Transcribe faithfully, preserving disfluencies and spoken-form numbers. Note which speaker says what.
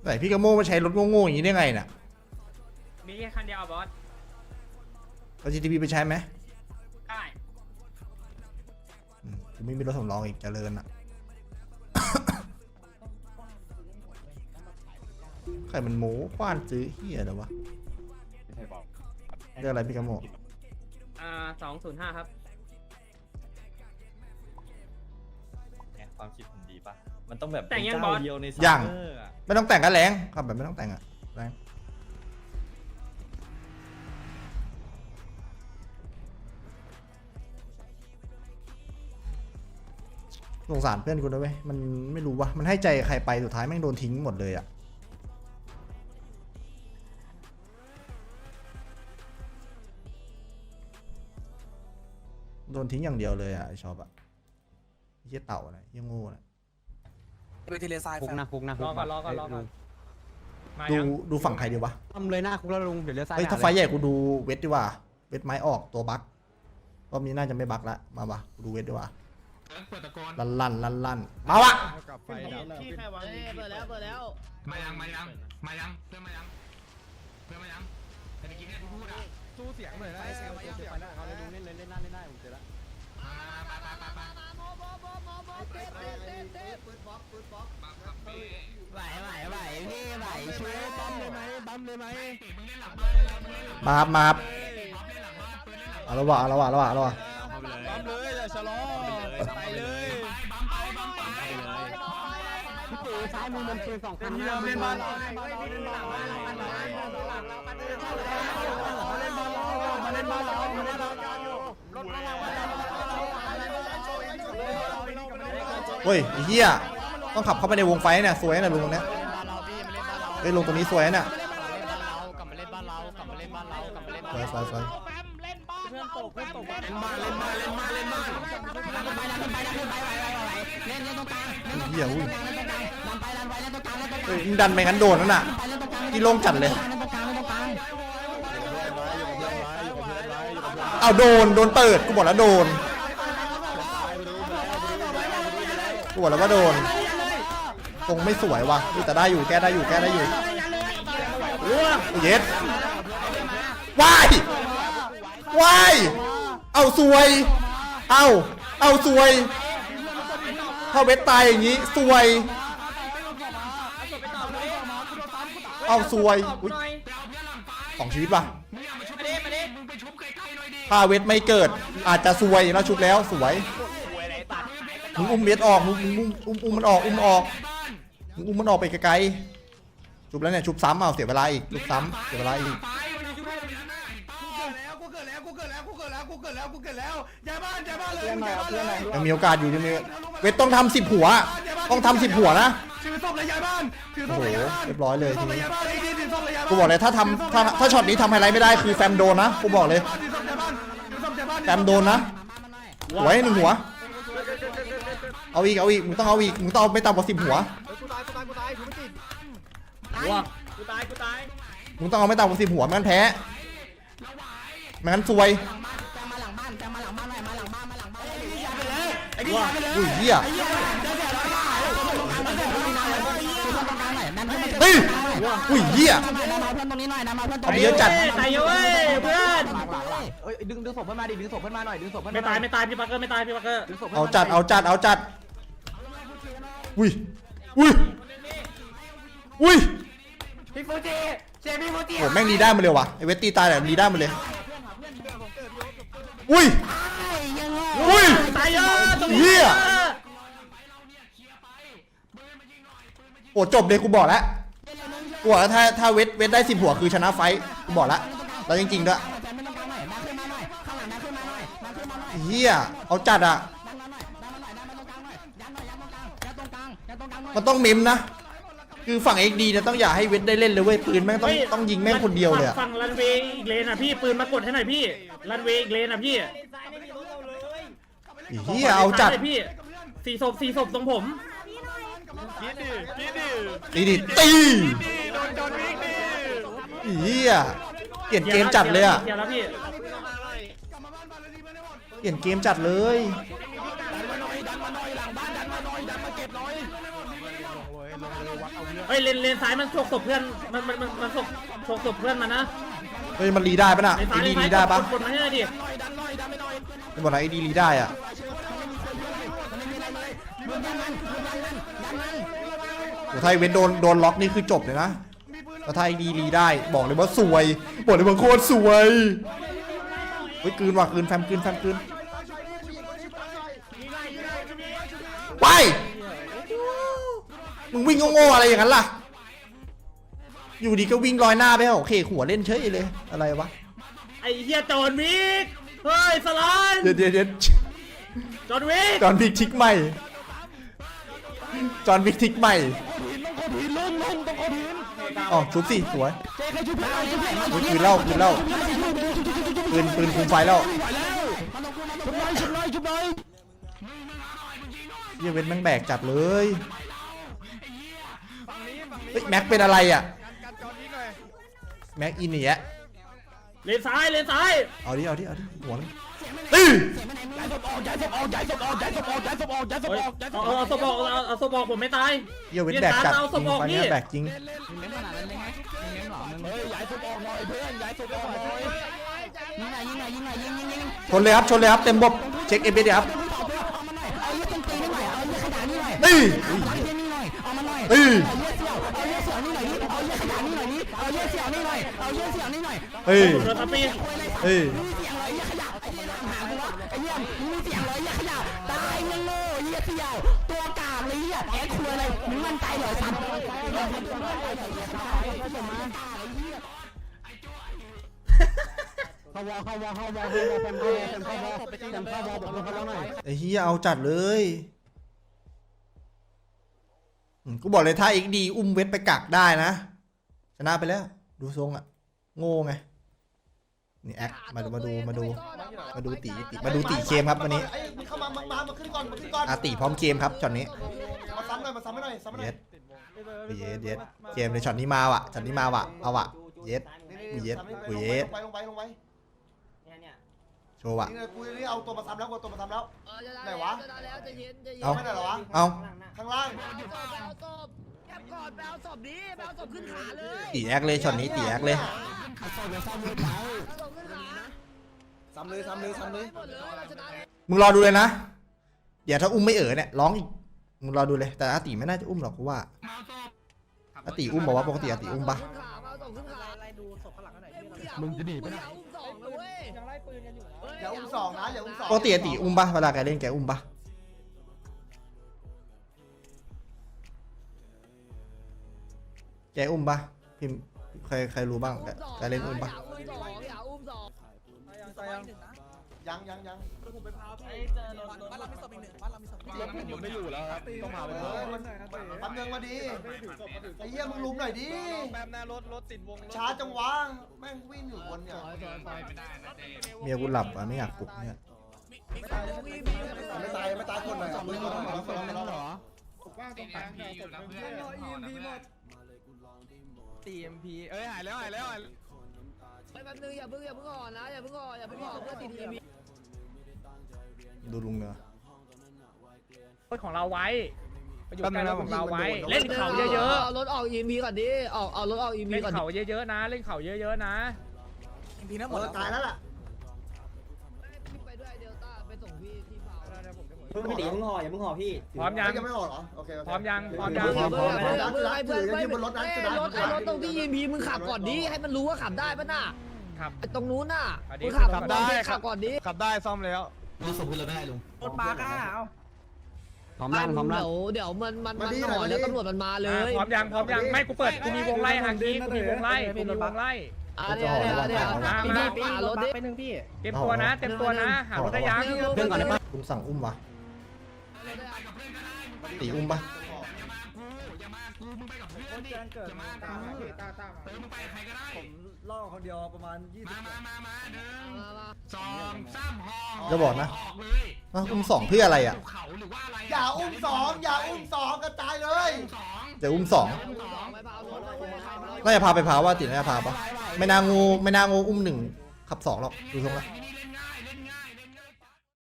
Speaker 1: แต่พี่กระโม่มาใช้รถโง่ๆอย่างนี้ได้ไงน่ะ
Speaker 2: มีแค่คันเดียวบอส
Speaker 1: เอา จี ที พี ไปใช้ไหม
Speaker 2: ได้
Speaker 1: กูไม่มีรถสำรองอีกเจริญอ่ะ ใครมันโม้คว้านซื้อเฮียอะไรวะเรื่องอะไรพี่กระโม่
Speaker 2: อ่าสองศูนย์ห้าครับ
Speaker 3: ความคิดผมดีป่ะมันต้องแบบ
Speaker 2: แต่งยังบอส
Speaker 3: เดียวใน
Speaker 1: ยังไม่ต้องแต่งกันแรงครับแบบไม่ต้องแต่งอะแรงสงสารเพื่อนกูนะเว้ยมันไม่รู้วะมันให้ใจใครไปสุดท้ายแม่งโดนทิ้งหมดเลยอะโดนทิ้งอย่างเดียวเลยอะไอชอบอะเหี้ยเต่าอะไรเหี้ยโง่นะ
Speaker 4: ดูทีเลซายคุกนะคุกนะ
Speaker 2: รอก่อนรอก่อนรอก่อน
Speaker 1: ดูดูฝั่งใครดีวะ
Speaker 4: ทำเลยหน้าคุกแล้วลุงเดี๋ยวเลี้ยวซ้าย
Speaker 1: เฮ้ยถ้าไฟใหญ่กูดูเวทดีกว่าเวทไม้ออกตัวบั๊กรอบนี้น่าจะไม่บั๊กละมาปะกูดูเวทดีกว่าลั่นลั่นลั่นลั่นมาวะ
Speaker 5: ที่ใครวางเปิดแล้วเปิดแล้ว
Speaker 6: มายังมายังมายังเพื่อนมายังเพื่อนมายังแต่เมื่อกี้เนี่ยพูดอ่ะ
Speaker 4: สู้เสียงหน่อยนะเสียงเสียงเขาเลยลุงเล่นเลยเล่นหน้าเล่นหน้าผมเจอแล้วไหวไหวไหวพี่ไหวช่วยปั๊มเลยไหมปั๊มเลยไหม
Speaker 1: มาบมาบเอาละวะเอาละวะเอาละวะเอาละวะ
Speaker 4: ปั๊มเลยอย่าชะลอไปเลยพี่ตู่ซ้ายมือมันคือสองคันนี่เราเล่นบ้านเรามาเล่นบ้านเรามาเล่นบ้านเรามาเล่นบ้านเรารถเรา
Speaker 1: เฮ้ยไอ้เหี้ยต้องขับเข้าไปในวงไฟเนี่ยสวยนะลุงตรงเนี้ยเฮ้ยลงตรงนี้สวยน่ะสวยสวยสวยเหี้ยอุ้ยเฮ้ยดันไปงั้นโดนนั่นน่ะที่โล่งจัดเลยเอาโดนโดนเปิดกูบอกแล้วโดนกูบอกแล้วว่าโดนตรงไม่สวยว่ะแต่ได้อยู่แก้ได้อยู่แก้ได้อยู่เย็ดวายวายเอาสวยเอาเอาสวยถ้าเวทตายอย่างนี้สวยเอาสวยอุ้ยสองชีวิตว่ะถ้าเวทไม่เกิดอาจจะสวยแล้วชุบแล้วสวยมึงอุ้มเวทออกมึงอุ้มอุ้มอุ้มมันออกอุ้มออกมึงอุ้มมันออกไปไกลๆชุบแล้วเนี่ยชุบซ้ำเอาเสียเวลาอีกชุบซ้ำเสียเวลาอีกยังมีโอกาสอยู่ยังมีเวทต้องทำสิบหัวต้องทำสิบหัวนะโอ้โหเรียบร้อยเลยทีนี้กูบอกเลยถ้าทำถ้าถ้าช็อตนี้ทำไฮไลท์ไม่ได้คือแฟมโดนนะกูบอกเลยแฟมโดนนะหัวให้หนึ่งหัวเอาอีกเอาอีกมึงต้องเอาอีกมึงต้องเอาไม่ต่ำกว่าสิบหัว
Speaker 2: กูตายกูตาย
Speaker 1: มึงต้องเอาไม่ต่ำกว่าสิบหัวไม่งั้นแพ้ไม่งั้นซวยอุ้ยเหี้ยเฮ้ยอุ้ยเหี้ยเอาไปเยอะจัด
Speaker 2: ตายเยอะเว้ยเพื่อน
Speaker 4: เอ้ยดึงดึงศพเพื่อนมาดิดึงศพเพื่อนมาหน่อยดึงศพเพื่อน
Speaker 2: ไม่ตายไม่ตายพี่ปักเกอร์ไม่ตายพี่ปักเกอร์
Speaker 1: เอาจัดเอาจัดเอาจัดอุ้ยอุ้ยอุ้ย
Speaker 4: พี่ฟูจิเจมี่ฟูจิ
Speaker 1: โหแม่งดีได้มาเลยวะไอเวทตีตายแต่ดีได้มาเลยอุ้ยอุ้ย
Speaker 2: ตายเยอะตรงนี้
Speaker 1: เหี้ยโอ้จบเลยกูบอกแล้วกูบอกแล้วถ้าถ้าเวทเวทได้สิบหัวคือชนะไฟกูบอกแล้วแล้วจริงๆด้วยเฮียเอาจัดอ่ะมันต้องเมมนะคือฝั่ง เอ็ก ดี เนี่ยต้องอย่าให้เวทได้เล่นเลยเว้ยปืนแม่งต้องต้องยิงแม่งคนเดียวเลย
Speaker 2: ฝั่งรันเวย์อีกเลนอ่ะพี่ปืนมากดให้หน่อยพี่รันเวย์อีกเลนอ่ะพี่
Speaker 1: เฮียเอาจัด
Speaker 2: พี่สี่ศพสี่ศพตรงผม
Speaker 1: ตีดิตีเฮียเปลี่ยนเกมจัดเลยอ่ะเปลี่ยนเกมจัดเลย
Speaker 2: เฮ้ยเลนเลนซ้ายมันฉกศพเพื่อนมันมันมันมันฉกฉกศพเพื่อนมันนะ
Speaker 1: เฮ้ยมันรีได้ปะน่ะ
Speaker 2: เลน
Speaker 1: ไอ้
Speaker 2: ซ้ายเล
Speaker 1: ดี
Speaker 2: นซ้า
Speaker 1: รี
Speaker 2: ย
Speaker 1: ได้ปะ
Speaker 2: กดมาให้หน่อยดิ
Speaker 1: ไม่บอกนะไอ้ดีรีได้อ่ะโอ้ถ้าไอ้เว้นโดนโดนล็อกนี่คือจบเลยนะแล้วถ้าไอ้ดีรีได้บอกเลยว่าสวยบอกเลยว่าโคตรสวยเฮ้ยกลืนว่ะกลืนแฟมกลืนแฟมกลืนไปมึงวิ่งโง่ๆอะไรอย่างนั้นล่ะอยู่ดีก็วิ่งลอยหน้าไปเหรอเคหัวเล่นเฉยเลยอะไรวะ
Speaker 2: ไอ้เหี้ยจอห์นวิกเฮ้ยสลาน
Speaker 1: เดี๋ยวเดี๋ยวเดี๋ยว
Speaker 2: จอห์นวิก
Speaker 1: จอห์นวิกทิกใหม่จอห์นวิกทิกใหม่อ๋อชุบสิสวยปืนเล่าปืนเล่าปืนปืนคุมไฟแล้วเฮียเว้นแม่งแบกจัดเลยเฮ้ยแม็กเป็นอะไรอ่ะแม็กอินเนี่ย
Speaker 2: เลนซ้ายเลนซ้าย
Speaker 1: เอาดิเอาดิเอาดิหัวนึงตี
Speaker 2: เฮ้ยเอาเอาเอาศพออกเอาเอาศพออกผมไม่ตาย
Speaker 1: เฮียเว้นแบกจัด
Speaker 2: เอา
Speaker 1: จ
Speaker 2: ศ
Speaker 1: ริ
Speaker 2: พ
Speaker 1: ง
Speaker 2: ออก
Speaker 1: ตอนนี้
Speaker 2: พี่
Speaker 1: แบกจริง
Speaker 4: เน้นขนาดนั้นเลยไงเน้นหรอมึงเฮ้ยย้ายศพออกหน่อยเพื่อนย้ายศพออกหน่อยยิงหน่อยยิงหน่อยยิงหน่อยยิงยิงยิง
Speaker 1: ชนเลยครับชนเลยครับเต็มบบเช็คเอฟเอครับ
Speaker 4: เอาเยอะต้นตีนี่หน่อยเอาเยอะขนาดนี้หน่อย
Speaker 1: ตี
Speaker 4: เอาเยอะนี่หน่อยเอามาหน่อย
Speaker 1: ตี
Speaker 4: เอาเยอะเสี่ยวเอาเยอะเสี่ยวนี่หน่อยดิเอาเยอะขนาดนี้หน่อยดิเอาเยอะเสี่ยวนี่หน่อยเอาเยอะเสี่ยวนี่หน่อย
Speaker 1: เฮ้ย
Speaker 2: โดนทับปี
Speaker 1: เฮ้ย
Speaker 4: มีเสียงอะไรเยอะขยะไอ้เหี้ยหากูวะไอ้เหี้ยมีเสียงอะไรเยอะขยะตายมึงโง่เหี้ยเสี่ยวตัวกากเลยเหี้ยแอคคุยอะไรมึงมั่นใจเหรอสัตว์เข้าวอเข้าวอเข้าวอเข้าวอแฟมเข้าวอแฟมเข้าวอแฟมเข้าวอบอกเพื่อนเขาหน่อย
Speaker 1: ไอ้เฮียเอาจัดเลยอืมกูบอกเลยถ้าเอ็กดีอุ้มเวทไปกักได้นะชนะไปแล้ว ดูทรงอะโง่ไงนี่แอคมาดูมาดูมาดูมาดูตีตีมาดูตีเกมครับวันนี้
Speaker 7: ไอ้มึงเข้ามามามามาขึ้นก่อนมาขึ้นก่อน
Speaker 1: อาตีพร้อมเกมครับช็อตนี้
Speaker 7: มาซ้ำหน่อยมาซ้ำให้หน่อยซ้ำให้หน่
Speaker 1: เย็
Speaker 7: อย
Speaker 1: ดเย็ดเย็ดเกมในช็อตนี้มาว่ะช็อตนี้มาว่ะเอาว่ะเย็ด
Speaker 7: นี่
Speaker 1: เย็ด
Speaker 7: ซ้ำให้
Speaker 1: กูเย็ด
Speaker 7: ลงไปลงไปลงไป
Speaker 1: โชว์ว่ะ
Speaker 7: นี่เลยกูนี่เอาตัวมาซ้ำแล้วกูเอาตัวมาซ้ำแล้ว ไหนวะ
Speaker 5: แล้วจะเย็นจะเย็น
Speaker 1: เอา
Speaker 7: ไม่ไหนเหรอวะ
Speaker 1: เอา
Speaker 7: ข้างล่าง
Speaker 5: เอาศพแอบก่อนไปเอาศพนี้ไปเอาศพขึ้นขาเลย
Speaker 1: ตีแอคเลยช็อตนี้ตีแอคเลย
Speaker 5: เอาศพขึ้นขา
Speaker 7: ซ้ำเลยซ้ำเลยซ้ำเลย
Speaker 5: หมดเลยเราชนะเลย
Speaker 1: มึงรอดูเลยนะเดี๋ยวถ้าอุ้มไม่เอ๋อเนี่ยร้องอีกมึงรอดูเลยแต่อาตีไม่น่าจะอุ้มหรอกกูว่าอาตีอุ้มบอกว่าปกติอาตีอุ้มปะ
Speaker 5: ขึ้นขาเอาศพขึ้นขาอะไรดูศพข้างหลังไหนมึงจะหนีไปไหนอุ้มสองเลยเว้ยยังไล่ปืนกันอยู่
Speaker 7: อย่าอุ้มสองนะอย่าอุ้มสอง
Speaker 1: ปกติอาตีอุ้มปะเวลาแกเล่นแกอุ้มปะแกอุ้มปะพิมพ์ใครใครรู้บ้างแกแกเล่นอุ้มปะ
Speaker 5: อย่าอุ้มสองอย่าอุ้มสอง
Speaker 7: ยังยังยัง
Speaker 3: ผมไม่อยู่แล้วครับต้องมา
Speaker 7: เออมันปั๊มเงินมาดีไอ้เหี้ยมึงลุมหน่อยดิ
Speaker 3: แป๊บนะรถรถติดวง
Speaker 7: ช้าจังวะแม่งวิ่งอยู่บนเนี่ย
Speaker 1: เมียกูหลับอ่ะไม่อยากปลุกเนี่ย
Speaker 7: ไม่ตายไม่ตายคนหน่อยอ่ะมึงคนหน่อยคนหน่อยเหรอ
Speaker 6: ตีเอ็มพีเอ้ยหายแล้วหายแล้วหาย
Speaker 5: ไปแป๊บนึงอย่าเพิ่งอย่าเพิ่งอ่อนนะอย่าเพิ่งอ่อนอย่าเพิ่งอ่อนเพื่อติดทีวี
Speaker 1: ดูลุงเนอะ
Speaker 2: ของเราไว้ไปอยู่ใกล้รถของเราไว้เล่นเขาเยอะ
Speaker 5: เอารถออกอีพีก่อนดิออกเอารถออกอี
Speaker 2: ๆ
Speaker 5: พี
Speaker 2: เล่น
Speaker 5: ก่อน
Speaker 2: เขาเยอะๆนะเล่นเขาเยอะๆนะ
Speaker 7: เออตายแล้วล่ะ
Speaker 5: ไปด้วยเดลต้าไปส่งพี่ที่เผา
Speaker 4: พี่ตีมึงห่ออย่ามึงห่อพี่
Speaker 2: พร้อมยัง
Speaker 7: ยังไม่ออกเหรอโอเค
Speaker 2: พร้อมยังพร้อม
Speaker 5: เ
Speaker 2: ยัง
Speaker 5: พื่อนเพื่อนเพื่อนเพื่อนเพื่อน
Speaker 7: เพื่อนที่บนรถนั้น
Speaker 5: เอ้
Speaker 7: จะได้
Speaker 5: รถไอ้รถตรงที่ยีพีมึงขับก่อนดิให้มันรู้ว่าขับได้ปะน่ะ
Speaker 2: ครับ
Speaker 5: ไอ้ตรงนู้นน่ะ
Speaker 2: อันนี้
Speaker 5: มึงขับ
Speaker 2: ขับ
Speaker 5: ได้
Speaker 2: ได้
Speaker 5: ขับก่อนดิ
Speaker 3: ขับได้ซ่อมแล้ว
Speaker 4: รถส่งขึ้นรถได้ลุง
Speaker 5: รถปาก้าเอา
Speaker 4: พร้อมลั่นพร้อมลั่น
Speaker 5: เดี๋ยวเดี๋ยวมันมันมันห่อแล้วตำรวจมันมาเลย
Speaker 2: พร้อมยังพร้อมยังไม่กูเปิดกูมีวงไล่หางกี้กูมีวงไล่กูมีวงไล่
Speaker 5: อ่ะเดี๋ยวเดี๋ยวเดี๋ยว
Speaker 2: มา
Speaker 5: พี่
Speaker 2: มา
Speaker 5: พี่หารถดิ
Speaker 2: เต็มตัวนะเต็มตัวนะหารถได้ยัง
Speaker 1: เพื่อนก่อนได้ปะลุงสั่งอุ้มวะตีอุ้มปะ
Speaker 4: ล่อคนเดียวประมาณยี่สิบ
Speaker 6: มามามาหนึ่ง
Speaker 5: มามา
Speaker 6: สองสามห่อ
Speaker 1: จะบอกนะ
Speaker 6: ออกเลย
Speaker 1: อ้าวอุ้มสองเพื่ออะไรอ่ะ
Speaker 6: เขาหรือว่าอะไร
Speaker 7: อย่าอุ้มสองอย่าอุ้มสองกระจายเลย
Speaker 6: สอง
Speaker 1: จะอุ้มสอง
Speaker 5: สองไปเผารถเลยไปเผารถ
Speaker 1: น่าจะพาไปพาว่าติน่าจะพาปะไม่น่างูไม่น่างูอุ้มหนึ่งขับสองหรอกดูทรงละ
Speaker 6: มินิ